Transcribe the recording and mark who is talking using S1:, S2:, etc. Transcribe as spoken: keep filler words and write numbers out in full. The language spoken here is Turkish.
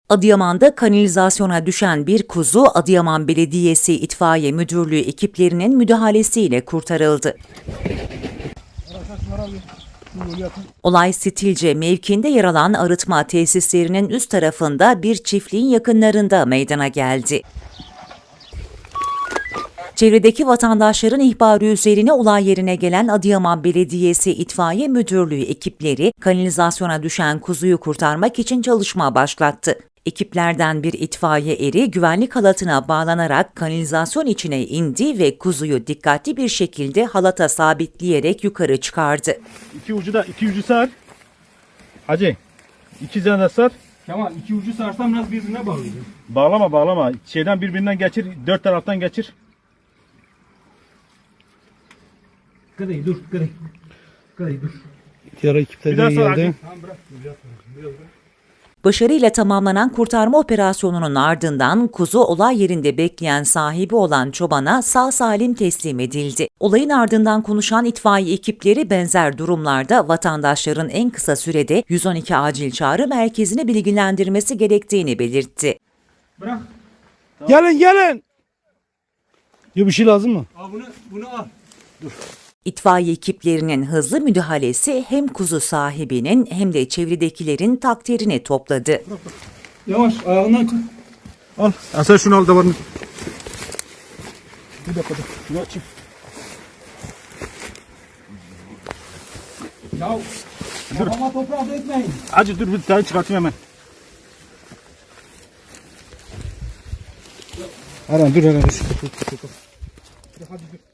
S1: Adıyaman'da kanalizasyona düşen bir kuzu Adıyaman Belediyesi İtfaiye Müdürlüğü ekiplerinin müdahalesiyle kurtarıldı. Olay Stilce mevkiinde yer alan arıtma tesislerinin üst tarafında bir çiftliğin yakınlarında meydana geldi. Çevredeki vatandaşların ihbarı üzerine olay yerine gelen Adıyaman Belediyesi İtfaiye Müdürlüğü ekipleri kanalizasyona düşen kuzuyu kurtarmak için çalışma başlattı. Ekiplerden bir itfaiye eri güvenlik halatına bağlanarak kanalizasyon içine indi ve kuzuyu dikkatli bir şekilde halata sabitleyerek yukarı çıkardı.
S2: İki ucu da iki ucu sar. Hacı. İki tane de sar.
S3: Tamam, iki ucu sarsam biraz birbirine bağlayacağım.
S2: Bağlama bağlama. Şeyden birbirinden geçir. Dört taraftan geçir.
S3: Kıdayı dur, kıdayı. Kıdayı dur.
S4: Diğer ekipler
S2: Bir daha
S4: de
S2: sar
S4: geldi.
S2: Hacı.
S3: Tamam bırak. Biraz biraz bırak.
S1: Başarıyla tamamlanan kurtarma operasyonunun ardından kuzu olay yerinde bekleyen sahibi olan çobana sağ salim teslim edildi. Olayın ardından konuşan itfaiye ekipleri benzer durumlarda vatandaşların en kısa sürede yüz on iki acil çağrı merkezine bilgilendirmesi gerektiğini belirtti.
S3: Bırak.
S4: Gelin gelin. Ya bir şey lazım mı?
S3: Al bunu, bunu al.
S1: İtfaiye ekiplerinin hızlı müdahalesi hem kuzu sahibinin hem de çevredekilerin takdirini topladı.
S3: Yavaş, ayağından tut.
S2: Al. Ya sen şunu al davarını. Bir dakika dur. Şunu açayım.
S3: Ya, kafama toprağı dökmeyin.
S2: Hacı dur bir tane çıkartayım hemen.
S4: Aran dur Aran dur.
S3: Hadi dur.